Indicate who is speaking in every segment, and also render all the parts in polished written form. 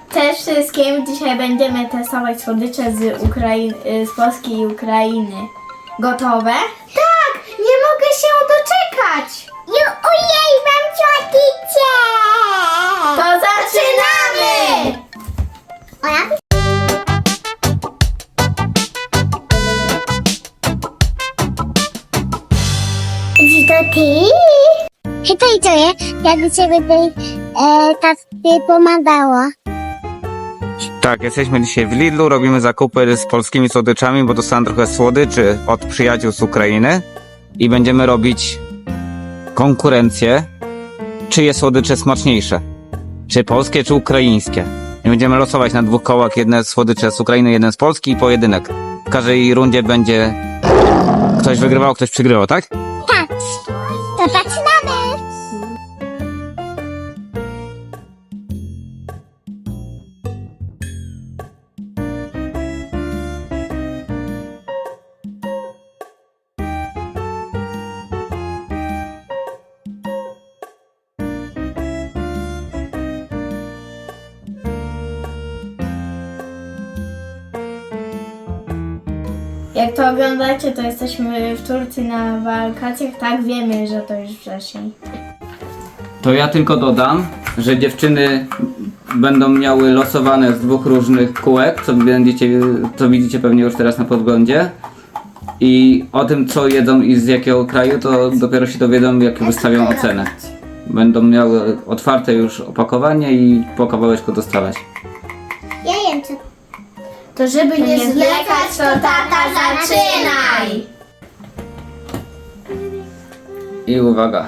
Speaker 1: Cześć wszystkim, dzisiaj będziemy testować słodycze z Polski i Ukrainy. Gotowe?
Speaker 2: Tak, nie mogę się doczekać. Ojej, mam słodycze.
Speaker 1: To zaczynamy!
Speaker 2: Czy to ty? Hej, to jakby ciebie tej tak pomagało.
Speaker 3: Tak, jesteśmy dzisiaj w Lidlu, robimy zakupy z polskimi słodyczami, bo dostałem trochę słodyczy od przyjaciół z Ukrainy i będziemy robić konkurencję, czyje słodycze smaczniejsze, czy polskie, czy ukraińskie. I będziemy losować na 2 kołach, jedne słodycze z Ukrainy, jeden z Polski i pojedynek. W każdej rundzie będzie ktoś wygrywał, ktoś przegrywał, tak?
Speaker 2: Tak, to zaczynamy.
Speaker 1: Jak to oglądacie, to jesteśmy w Turcji na wakacjach. Tak, wiemy, że to już wrzesień.
Speaker 3: To ja tylko dodam, że dziewczyny będą miały losowane z 2 różnych kółek, co widzicie pewnie już teraz na podglądzie. I o tym, co jedzą i z jakiego kraju, to dopiero się dowiedzą, jak wystawią ocenę. Będą miały otwarte już opakowanie i po kawałeczku dostawać.
Speaker 2: Ja jem co.
Speaker 1: To żeby nie zwlekać, to tata zaczynaj!
Speaker 3: I uwaga.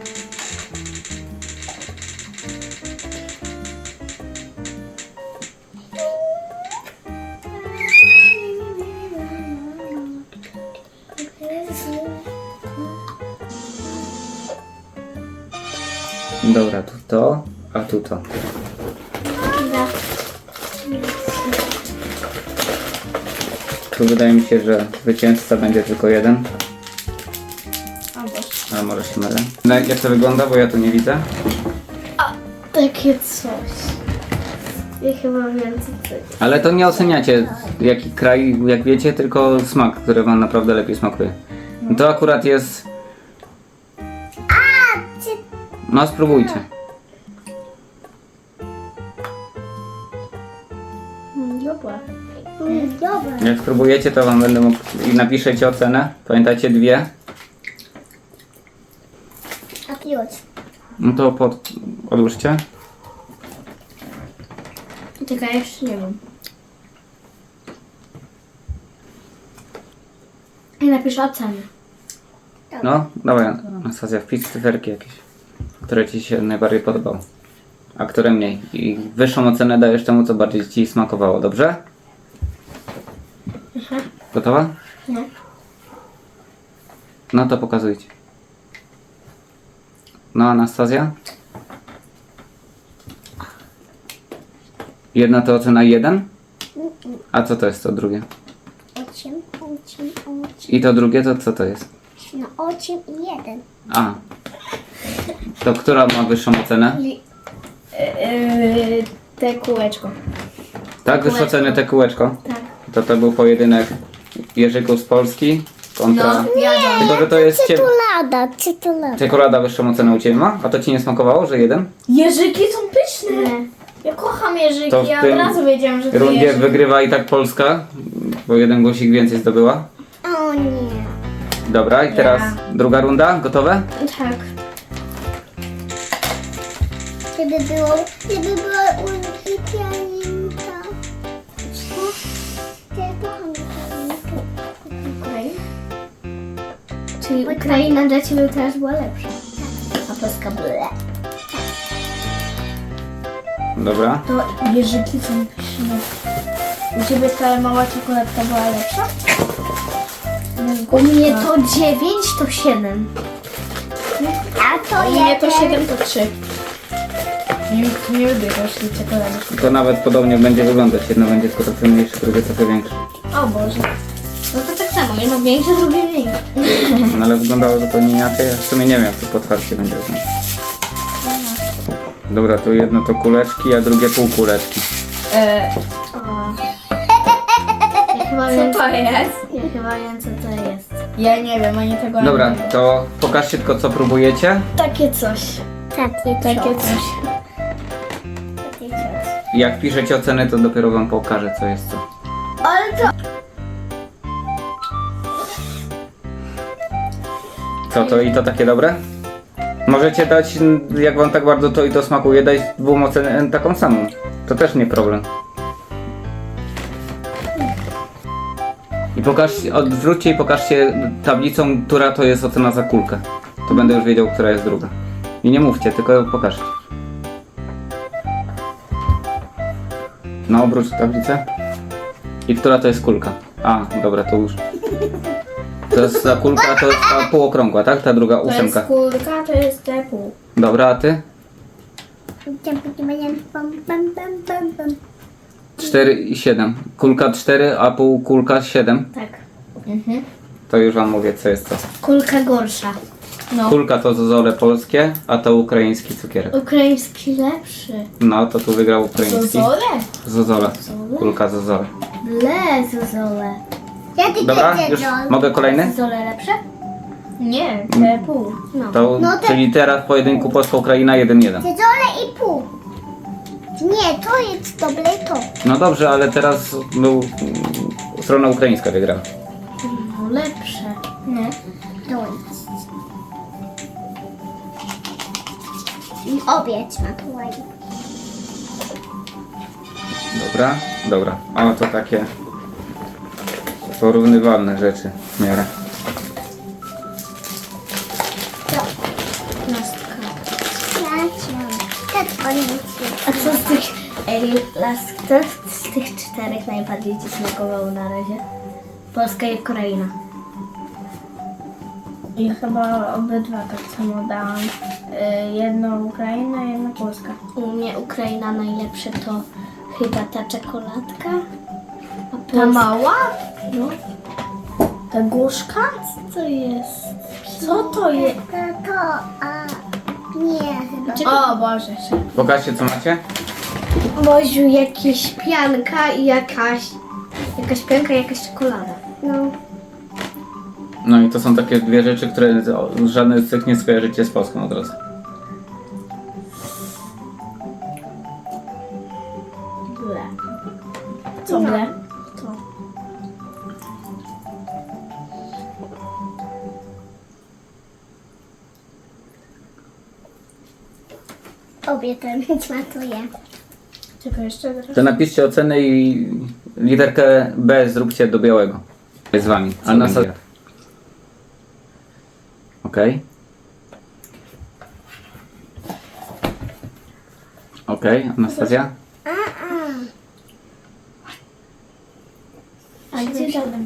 Speaker 3: Dobra, tu to, a tu to. Tu wydaje mi się, że zwycięzca będzie tylko jeden.
Speaker 1: O Boże.
Speaker 3: Ale może się mylę. Jak to wygląda, bo ja tu nie widzę.
Speaker 1: Takie coś. Ja chyba wiem, co to jest.
Speaker 3: Ale to nie oceniacie jaki kraj, jak wiecie, tylko smak, który wam naprawdę lepiej smakuje. To akurat jest... No spróbujcie.
Speaker 1: Dobra.
Speaker 2: Dobra.
Speaker 3: Jak spróbujecie, to wam będę mógł... I napiszecie ocenę. Pamiętajcie 2.
Speaker 2: A piłać.
Speaker 3: No to odłóżcie.
Speaker 1: Czekaj, jeszcze nie wiem. I napiszę ocenę.
Speaker 3: No, dawaj Anastazja, wpisz cyferki jakieś, które ci się najbardziej podobało. A które mniej. I wyższą ocenę dajesz temu, co bardziej ci smakowało, dobrze? Gotowa?
Speaker 1: Nie.
Speaker 3: No to pokazujcie. No, Anastazja? Jedna to ocena 1? A co to jest to drugie?
Speaker 2: 8.
Speaker 3: I to drugie to co to jest?
Speaker 2: No 8 i 1.
Speaker 3: A. To która ma wyższą ocenę?
Speaker 1: Te kółeczko.
Speaker 3: Tak, wyższą ocenę te kółeczko?
Speaker 1: Tak.
Speaker 3: To był pojedynek Jerzyków z Polski kontra...
Speaker 1: No, wiadomo.
Speaker 3: Tylko, że to jest
Speaker 2: Czekolada.
Speaker 3: Czekolada wyższą ocenę u Ciebie ma? A to Ci nie smakowało, że 1?
Speaker 1: Jeżyki są pyszne. Ja kocham jeżyki,
Speaker 3: To w
Speaker 1: ja od
Speaker 3: tym
Speaker 1: razu wiedziałam, że to
Speaker 3: rundzie
Speaker 1: jeżyk.
Speaker 3: wygrywa i tak Polska, bo 1 głosik więcej zdobyła.
Speaker 2: O nie.
Speaker 3: Dobra, i teraz druga runda, gotowe?
Speaker 1: Tak.
Speaker 2: Żeby była uwielbiająca. Ja kocham Ukrainę.
Speaker 1: Czyli Ukraina dla Ciebie teraz była lepsza. A Polska była lepsza.
Speaker 3: Dobra.
Speaker 1: To jeżyki są pyszne. U Ciebie ta mała czekoladka była lepsza? U mnie to 9, to 7.
Speaker 2: A to
Speaker 1: U mnie to 7, to 3. Nie lubię rośli czekolady.
Speaker 3: To nawet podobnie będzie wyglądać. Jedno będzie tylko trochę mniejsze, drugie trochę większe.
Speaker 1: O Boże. No to tak samo, jedno większe, drugie mniejsze.
Speaker 3: No ale wyglądało zupełnie inaczej. Ja w sumie nie wiem, jak to po otwarciu będzie wyglądać. Dobra, tu jedno to kuleczki, a drugie półkuleczki.
Speaker 1: Ja chyba wiem,
Speaker 4: Co to jest?
Speaker 1: ja chyba wiem, co to jest. Ja nie wiem, oni tego
Speaker 3: Dobra,
Speaker 1: nie wiem.
Speaker 3: to pokażcie tylko co próbujecie.
Speaker 1: Takie coś.
Speaker 2: Takie
Speaker 1: Takie
Speaker 2: coś.
Speaker 1: coś.
Speaker 2: Takie coś.
Speaker 3: Jak piszecie oceny, to dopiero wam pokażę co jest co.
Speaker 1: Ale to...
Speaker 3: Co to i to takie dobre? Możecie dać, jak wam tak bardzo to i to smakuje, dać dwóm ocenę taką samą. To też nie problem. I pokażcie, odwróćcie i pokażcie tablicą, która to jest ocena za kulkę. To będę już wiedział, która jest druga. I nie mówcie, tylko pokażcie. No, obróć tablicę. I która to jest kulka? A, dobra, to już. To jest ta kulka, to jest ta półokrągła, tak? Ta druga
Speaker 1: To jest
Speaker 3: ósemka.
Speaker 1: kulka, to jest te pół.
Speaker 3: Dobra, a ty? 4 i 7. Kulka 4, a półkulka 7.
Speaker 1: Tak.
Speaker 3: To już wam mówię, co jest co.
Speaker 1: Kulka gorsza. No.
Speaker 3: Kulka to zozole polskie, a to ukraiński cukierek.
Speaker 1: Ukraiński lepszy.
Speaker 3: No, to tu wygrał ukraiński.
Speaker 1: Zozole?
Speaker 3: Zozole.
Speaker 1: Zozole?
Speaker 3: Kulka zozole.
Speaker 1: Ble, zozole.
Speaker 2: Ja tylko
Speaker 3: Dobra,
Speaker 2: jedzę
Speaker 3: już
Speaker 2: John.
Speaker 3: mogę kolejny?
Speaker 1: Zozole lepsze? Nie, te pół. No.
Speaker 3: To,
Speaker 2: No to-
Speaker 3: czyli teraz w pojedynku Polska-Ukraina 1-1.
Speaker 2: Jedzone i pół. Nie, to jest dobre to.
Speaker 3: No dobrze, ale teraz był strona ukraińska wygrała.
Speaker 1: No lepsze. Nie.
Speaker 2: To jest. I obiec na to ładnie.
Speaker 3: Dobra, dobra. O, to takie porównywalne rzeczy w miarę.
Speaker 1: Lastka.
Speaker 2: Tak,
Speaker 1: A co z tych... Ej, co z tych 4 najbardziej ci smakowało na razie? Polska i Ukraina. I chyba obydwa tak samo dałam. Jedno Ukraina, jedno Polska. U mnie Ukraina najlepsze to chyba ta czekoladka. A ta mała? No. Ta gorzka? Co to jest? Co to jest?
Speaker 2: To, a nie chyba.
Speaker 1: O Boże.
Speaker 3: Pokażcie co macie.
Speaker 1: Boziu, jakieś pianka i jakaś pianka i jakaś czekolada.
Speaker 2: No.
Speaker 3: No i to są takie dwie rzeczy, które żadne z tych nie skojarzycie z Polską od razu.
Speaker 1: Ble. Co ble? To.
Speaker 2: Obie ten smakuje.
Speaker 1: Czekaj, jeszcze teraz.
Speaker 3: To napiszcie ocenę i literkę B zróbcie do białego. Jest z wami. Anastazja. Okej. Okej, Anastazja?
Speaker 1: A gdzie żaden?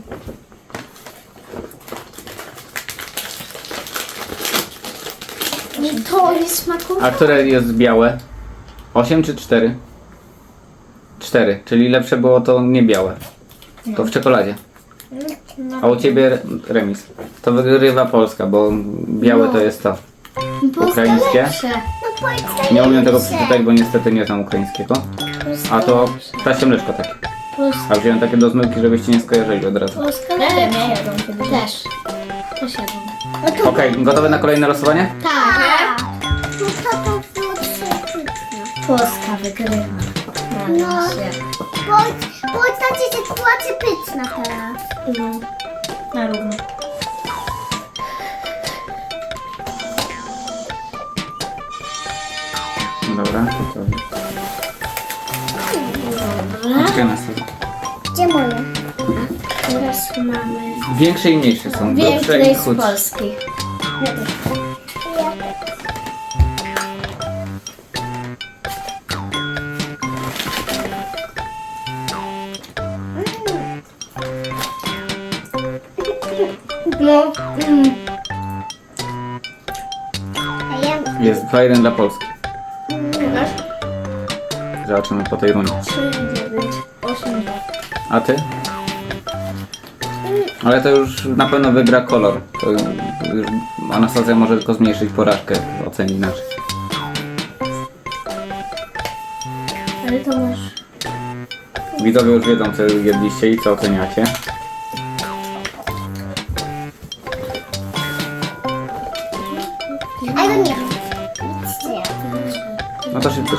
Speaker 1: To jest smakowe.
Speaker 3: A które jest białe? 8 czy 4? 4, czyli lepsze było to nie białe. To w czekoladzie. A u ciebie remis. To wygrywa Polska, bo białe to jest to. Ukraińskie.
Speaker 1: Lepsze.
Speaker 2: No powiedz
Speaker 3: Nie umiem tego przeczytać, bo niestety nie znam ukraińskiego. A to ptasie mleczko takie.
Speaker 1: Polska,
Speaker 3: A wziąłem takie do zmyłki, żebyście nie skojarzyli od razu.
Speaker 1: Polska lepsze. Też. Też jadą.
Speaker 3: Okej, gotowe na kolejne losowanie?
Speaker 1: Tak.
Speaker 2: No to było przepyszne.
Speaker 1: Polska wygrywa.
Speaker 2: No.
Speaker 1: Na razie.
Speaker 2: Bo ta sytuacja pyszna teraz.
Speaker 1: No. Na równo.
Speaker 3: Dobra, to... Poczekaj na sobie.
Speaker 2: Gdzie moje?
Speaker 1: Teraz mamy
Speaker 3: Większe i mniejsze są. Grubsze
Speaker 1: więcej
Speaker 3: i
Speaker 1: z
Speaker 3: chudsze.
Speaker 1: Polski. No.
Speaker 2: A ja
Speaker 3: Jest 2-1 dla Polski.
Speaker 1: Masz?
Speaker 3: Zobaczymy po tej rundzie.
Speaker 1: 3, 9, 8, 2.
Speaker 3: A ty? Ale to już na pewno wygra kolor. To już Anastazja może tylko zmniejszyć porażkę, oceni inaczej.
Speaker 1: Ale to masz
Speaker 3: Widzowie już wiedzą, co jedliście i co oceniacie.
Speaker 2: Ale nie.
Speaker 3: No to szybko.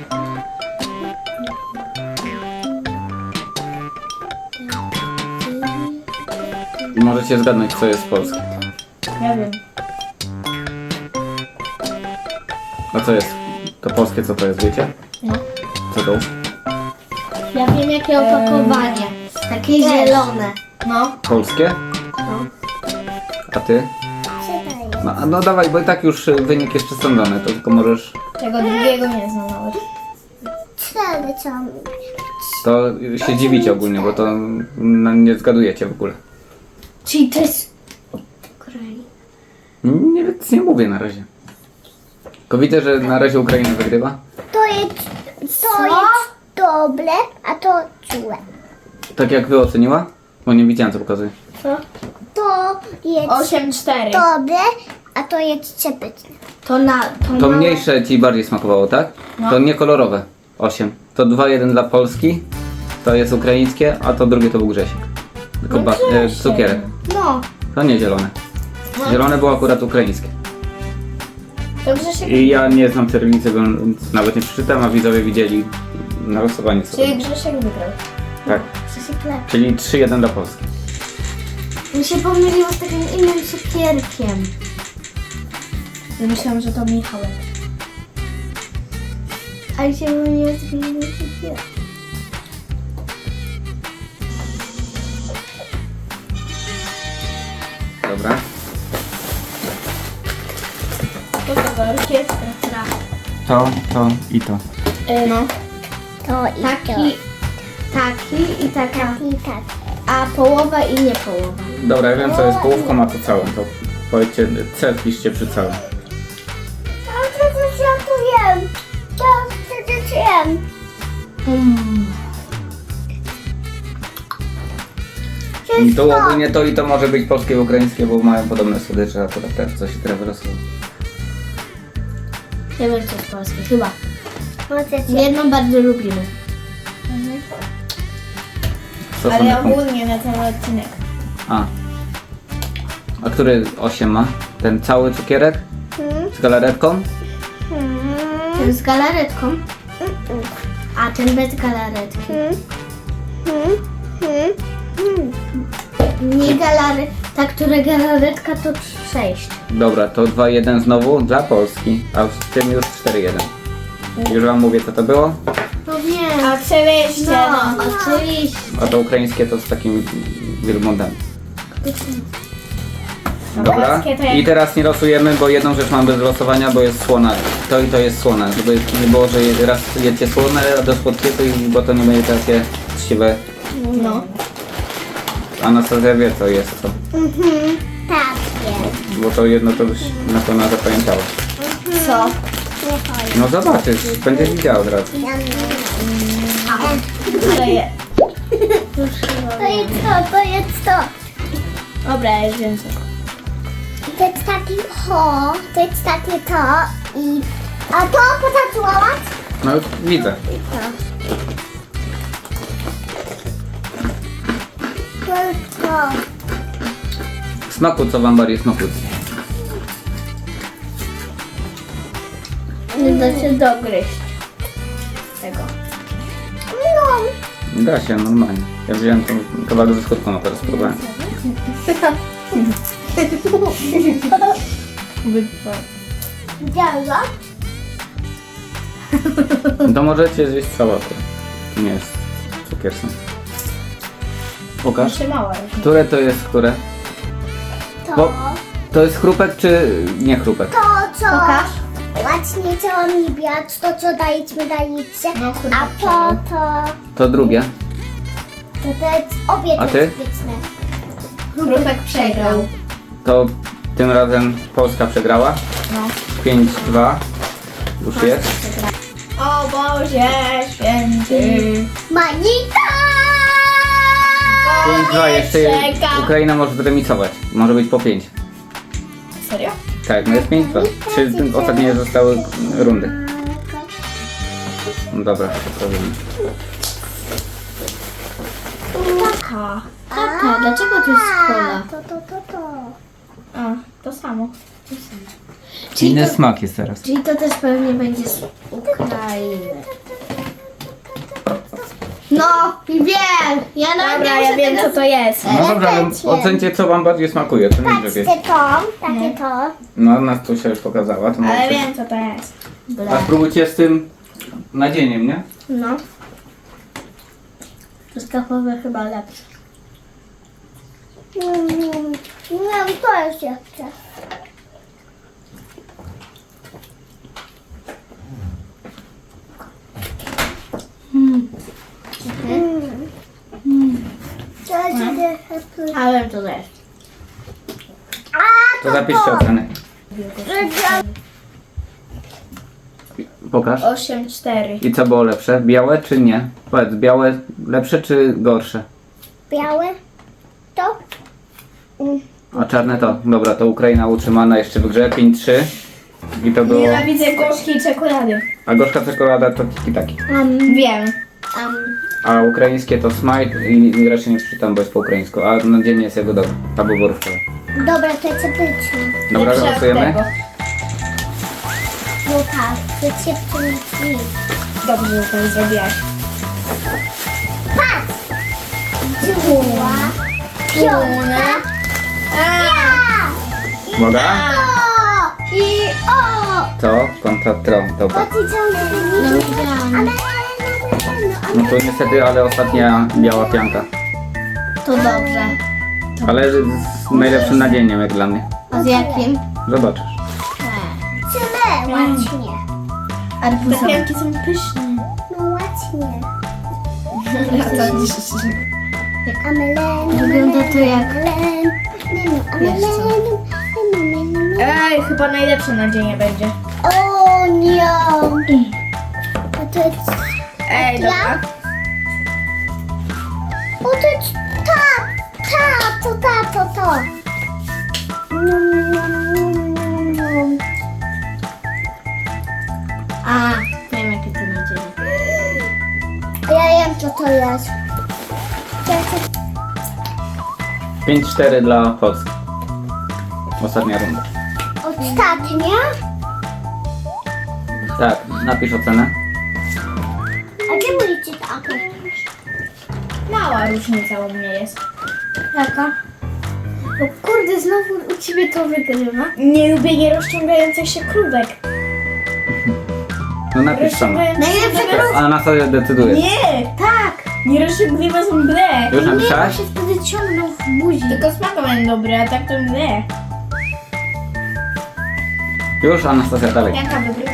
Speaker 3: I możecie zgadnąć, co jest polskie.
Speaker 1: Ja wiem.
Speaker 3: A co jest? To polskie, co to jest, wiecie?
Speaker 1: No.
Speaker 3: Co to?
Speaker 1: Ja wiem jakie opakowanie. Takie zielone. No.
Speaker 3: Polskie?
Speaker 1: No.
Speaker 3: A ty? No dawaj, bo i tak już wynik jest przesądzony, to tylko możesz...
Speaker 1: Tego drugiego nie znam nawet.
Speaker 2: Cztery co?
Speaker 3: To się dziwicie ogólnie, bo to nie zgadujecie w ogóle.
Speaker 1: Czyli to jest... Ukraina.
Speaker 3: Nie, nic nie mówię na razie. Tylko widzę, że na razie Ukraina wygrywa.
Speaker 2: To jest dobre, a to złe.
Speaker 3: Tak jak wy oceniła? Bo nie widziałem, co pokazuje.
Speaker 1: Co?
Speaker 2: To jest
Speaker 1: 8-4.
Speaker 2: dobre, a to jest przepyszne.
Speaker 3: To mniejsze ci bardziej smakowało, tak?
Speaker 1: No.
Speaker 3: To nie kolorowe. 8. To 2-1 dla Polski. To jest ukraińskie, a to drugie to był Grzesiek. Tylko cukierek.
Speaker 1: No.
Speaker 3: To nie zielone. Zielone było akurat ukraińskie.
Speaker 1: To Grzesiek...
Speaker 3: I ja nie znam cyrylicy, więc nawet nie przeczytam, a widzowie widzieli narysowanie co.
Speaker 1: Czyli Grzesiek wygrał.
Speaker 3: Tak.
Speaker 1: Grzesiek lepszy.
Speaker 3: Czyli 3-1 dla Polski.
Speaker 1: Mi się pomyliło z takim innym cukierkiem. Myślałam, że to Michałek. Ale się pomyliło z takim innym cukierkiem.
Speaker 3: Dobra.
Speaker 1: To była orkiestra.
Speaker 3: To i to.
Speaker 1: No.
Speaker 2: To i
Speaker 1: Taki i taka.
Speaker 2: to. I tak.
Speaker 1: A połowa i nie połowa.
Speaker 3: Dobra, ja wiem co jest połówką, a to całym. To powiedzcie, C wpiszcie przy całym.
Speaker 2: To ja tu jem. To jem.
Speaker 3: I to ogólnie to i to może być polskie i ukraińskie, bo mają podobne słodycze, akurat też co się teraz wylosowało.
Speaker 1: Ja wiem co jest polskie, chyba.
Speaker 2: Możecie.
Speaker 1: Jedną bardzo lubimy.
Speaker 3: Co są te punkty?
Speaker 1: ogólnie na cały odcinek.
Speaker 3: A który 8 ma? Ten cały cukierek? Z galaretką?
Speaker 1: Ten z galaretką, a ten bez galaretki. Nie ta, która galaretka to 6.
Speaker 3: Dobra, to 2-1 znowu dla Polski, a w tym już 4-1. Już wam mówię co to było,
Speaker 1: No wiem. Oczywiście. No, oczywiście.
Speaker 3: a to ukraińskie to z takimi wielbłądami. Dobra,
Speaker 1: Polskie to jak-
Speaker 3: i teraz nie losujemy, bo jedną rzecz mam bez losowania, bo jest słona. To i to jest słona, żeby nie było, że raz jecie słone, a do słodkiego, bo to nie będzie takie siwe.
Speaker 1: No.
Speaker 3: Anastazja wie co jest co,
Speaker 2: Tak jest.
Speaker 3: bo to jedno to już na pewno zapamiętałaś.
Speaker 1: Co?
Speaker 3: No zobaczysz, będziesz widziała od razu.
Speaker 1: To jest.
Speaker 2: To jest to.
Speaker 1: Dobra, ja już wiem co.
Speaker 2: To jest taki to jest takie to i... A to potatuować?
Speaker 3: No już widzę.
Speaker 2: To jest to.
Speaker 3: W smaku co wam bardziej smakuje?
Speaker 1: Nie da się dogryźć tego.
Speaker 2: No.
Speaker 3: Da się, normalnie. Ja wziąłem tą kawałek ze skórką, a teraz spróbowałem.
Speaker 2: Widziałeś go?
Speaker 3: To możecie zjeść sałatę. To nie jest cukier sam. Pokaż.
Speaker 1: Trzymała.
Speaker 3: Które to jest które?
Speaker 2: To.
Speaker 3: Bo- To jest chrupek czy nie chrupek?
Speaker 2: To co?
Speaker 1: Pokaż.
Speaker 2: Właśnie co mi biać, to co dajecie.
Speaker 1: No,
Speaker 2: A to
Speaker 3: To drugie.
Speaker 2: jest obie
Speaker 3: A ty?
Speaker 2: bezpieczne.
Speaker 1: Chrupek przegrał.
Speaker 3: To tym razem Polska przegrała.
Speaker 1: No.
Speaker 3: 5-2. Już jest.
Speaker 1: O Boże święty.
Speaker 2: Manika!
Speaker 3: 5-2 jeszcze
Speaker 1: czeka.
Speaker 3: Ukraina może zremisować. Może być po 5.
Speaker 1: Serio?
Speaker 3: Tak, no jest 5-2. 3 ostatnie zostały rundy. No dobra, to powiem.
Speaker 1: Kaka. Kaka, dlaczego to jest kola?
Speaker 2: To.
Speaker 1: A, to samo.
Speaker 3: Inny smak jest teraz.
Speaker 1: Czyli to też pewnie będzie z Ukrainy. No, wiem! Dobra, ja wiem co to jest.
Speaker 3: No dobra, ale ocencie co wam bardziej smakuje, to nie
Speaker 2: Patrzcie
Speaker 3: wiecie.
Speaker 2: to, takie to.
Speaker 3: No, nas tu się już pokazała, to
Speaker 1: Ale
Speaker 3: możecie.
Speaker 1: wiem co to jest.
Speaker 3: A spróbujcie z tym nadzieniem, nie?
Speaker 1: No. Truskawkowe chyba lepsze.
Speaker 2: Nie, to jest jeszcze. To jest
Speaker 1: Ale to jest.
Speaker 3: To zapiszcie ocenę. Pokaż.
Speaker 1: 8,4.
Speaker 3: I co było lepsze? Białe czy nie? Powiedz, białe lepsze czy gorsze?
Speaker 2: białe. To?
Speaker 3: A czarne to? Dobra, to Ukraina utrzymana jeszcze w grze 5-3. I to było...
Speaker 1: Nienawidzę gorzkiej czekolady.
Speaker 3: A gorzka czekolada to tiki-taki.
Speaker 1: Wiem.
Speaker 3: A ukraińskie to smite i raczej nie przeczytam, bo jest po ukraińsku. A na dzień jest jego dobra. Albo borówkowe.
Speaker 2: Dobra, to jest epyczne.
Speaker 3: Dobra,
Speaker 1: Lepsze od
Speaker 3: głosujemy?
Speaker 1: tego.
Speaker 2: No tak, to jest epyczne.
Speaker 1: Dobrze, że to zrobiłaś.
Speaker 2: Patrz! Dziura. Piona.
Speaker 3: Uwaga.
Speaker 2: O! I o!
Speaker 3: To kontra tro. Dobra. No to niestety, ale ostatnia biała pianka.
Speaker 1: To dobrze.
Speaker 3: Ale z najlepszym nadzieniem jak dla mnie.
Speaker 1: A z jakim?
Speaker 3: Zobaczysz.
Speaker 2: Tyle, ładnie.
Speaker 1: Te pianki są pyszne.
Speaker 2: No ładnie.
Speaker 1: A co dziś?
Speaker 2: Amelen.
Speaker 1: Wygląda to jak... Ej, chyba najlepsze nadzienie będzie.
Speaker 2: O nie. A to jest...
Speaker 1: Ej, dobra.
Speaker 2: O to jest to.
Speaker 1: A, wiem jakie to nadzienie.
Speaker 2: Ja wiem co to jest. To jest
Speaker 3: 5-4 dla Polski. Ostatnia runda.
Speaker 2: ostatnia.
Speaker 3: Tak, napisz ocenę.
Speaker 2: A gdzie mówicie to?
Speaker 1: Mała różnica u mnie jest. Jaka? O kurde, znowu u ciebie to wygrywa. Nie lubię nierozciągających się krówek.
Speaker 3: No napisz sama.
Speaker 1: Najlepsze krówki.
Speaker 3: A na co decydujesz?
Speaker 1: Nie, tak. Nierozciągliwe są ble.
Speaker 3: Już napisałeś?
Speaker 1: się wtedy ciągną w buzi. Tylko smaku będą dobre, a tak to ble.
Speaker 3: Już Anastazja dalej.
Speaker 1: Jaka wygrywa?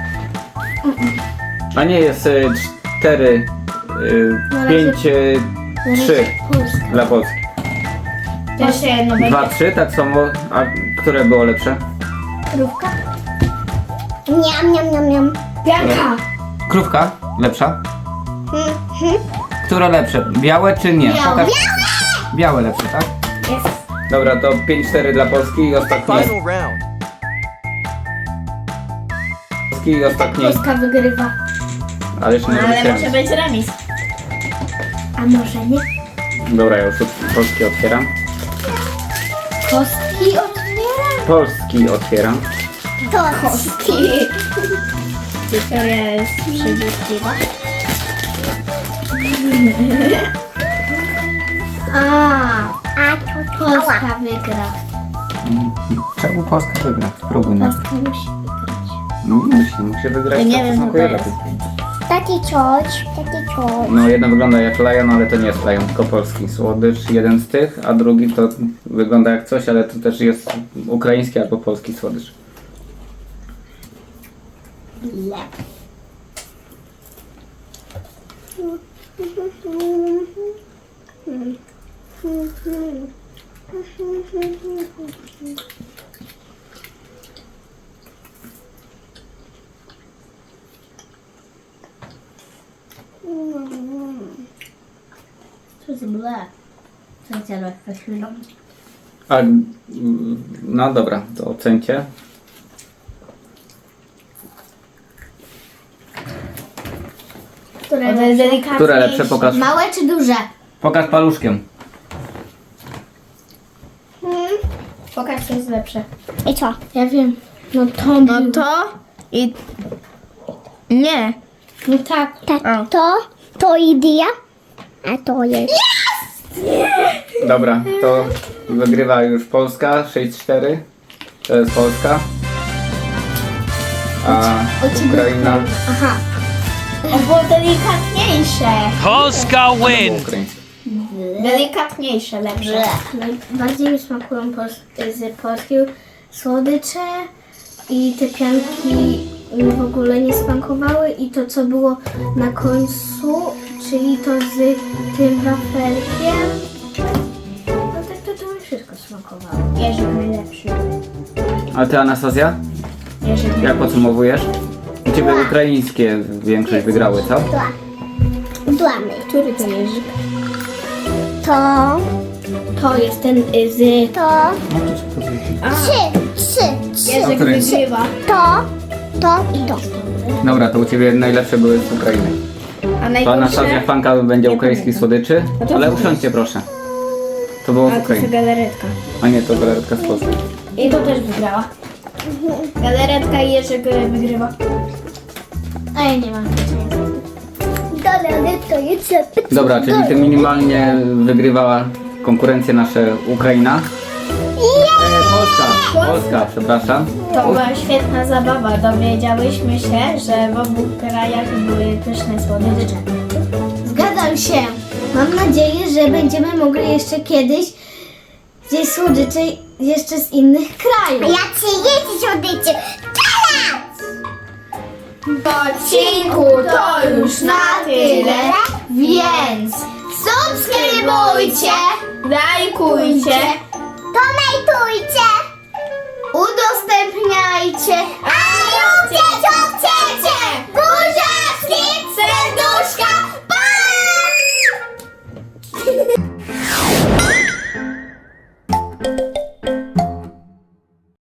Speaker 3: A nie, jest 4, 5, 3
Speaker 1: Polska.
Speaker 3: dla Polski.
Speaker 1: Jeszcze jedno będzie.
Speaker 3: 2-3, tak samo. A które było lepsze?
Speaker 1: Krówka?
Speaker 2: Niam.
Speaker 1: Pianka.
Speaker 3: Krówka lepsza? Które lepsze? Białe czy nie?
Speaker 1: Białe.
Speaker 3: Pokaż. Białe lepsze, tak?
Speaker 1: Jest.
Speaker 3: Dobra, to 5-4 dla Polski i ostatni.
Speaker 4: Final round.
Speaker 3: Polski i ostatni.
Speaker 1: Polska wygrywa.
Speaker 3: Ale jeszcze nie
Speaker 1: No, ale
Speaker 3: robicie.
Speaker 1: może być remis. A może nie?
Speaker 3: Dobra, ja już Polski otwieram.
Speaker 1: Kostki otwieram.
Speaker 3: Polski otwieram.
Speaker 2: To
Speaker 1: Kostki. Wiktoria jest przeciwna.
Speaker 2: A to
Speaker 1: Polska wygra.
Speaker 3: Czemu Polska wygra? Spróbuj na.
Speaker 1: Polska musi wygrać.
Speaker 3: No musi wygrać.
Speaker 1: Ja nie
Speaker 3: to
Speaker 1: wiem,
Speaker 3: smakuje
Speaker 1: co to
Speaker 3: lepiej.
Speaker 2: Taki coś.
Speaker 3: No jedno wygląda jak Lion, ale to nie jest Lion, tylko polski słodycz, jeden z tych, a drugi to wygląda jak coś, ale to też jest ukraiński albo polski słodycz.
Speaker 1: To jest ble. Co chciałem chwilą?
Speaker 3: A, no dobra, to ocencie.
Speaker 1: Które jest delikatnie.
Speaker 3: Które lepsze? Pokaż.
Speaker 1: Małe czy duże?
Speaker 3: Pokaż paluszkiem.
Speaker 1: Pokaż, co jest lepsze.
Speaker 2: I co?
Speaker 1: Ja wiem. No to i... Nie. No tak.
Speaker 2: Tak, to idea, a to jest.
Speaker 3: Dobra, to wygrywa już Polska 6-4. To jest Polska. A Ukraina.
Speaker 1: Aha. To było delikatniejsze.
Speaker 4: Polska win!
Speaker 3: Ukraińska.
Speaker 1: Delikatniejsze, lepsze. Bardziej mi smakują z polskiego słodycze i te pianki mi w ogóle nie smakowały i to co było na końcu, czyli to z tym wafelkiem. No tak to mi wszystko smakowało. Jerzyk najlepszy.
Speaker 3: A ty, Anastazja?
Speaker 1: Jerzyk
Speaker 3: Jak podsumowujesz? U ciebie ukraińskie większość wygrały, co?
Speaker 2: Dłamy.
Speaker 1: Który to jerzyk?
Speaker 2: To,
Speaker 1: To jest ten z...
Speaker 2: to,
Speaker 1: A,
Speaker 2: trzy.
Speaker 1: jerzyk
Speaker 3: Który?
Speaker 1: wygrywa.
Speaker 2: To i to.
Speaker 3: Dobra, to u ciebie najlepsze były z Ukrainy.
Speaker 1: A
Speaker 3: To Anastazja
Speaker 1: najgorsze...
Speaker 3: fanka będzie ukraińskich słodyczy,
Speaker 1: No to
Speaker 3: ale
Speaker 1: dobra.
Speaker 3: usiądźcie proszę. To było z
Speaker 1: A to jest
Speaker 3: Ukrainy.
Speaker 1: galaretka.
Speaker 3: A nie, to galeretka z Polski.
Speaker 1: I to też wygrała. Galaretka i Jerzyk wygrywa. A ja nie mam
Speaker 2: Dalej to jest.
Speaker 3: Dobra, czyli ty minimalnie wygrywała konkurencję nasza Ukraina. Polska, przepraszam.
Speaker 1: To była świetna zabawa. Dowiedziałyśmy się, że w obu krajach były pyszne słodycze. Zgadzam się. Mam nadzieję, że będziemy mogli jeszcze kiedyś zjeść słodycze jeszcze z innych krajów.
Speaker 2: Ja chcę jeść słodycze. Teraz!
Speaker 1: W odcinku to już na tyle, więc subskrybujcie, lajkujcie,
Speaker 2: Komentujcie.
Speaker 1: udostępniajcie,
Speaker 2: A róbcie co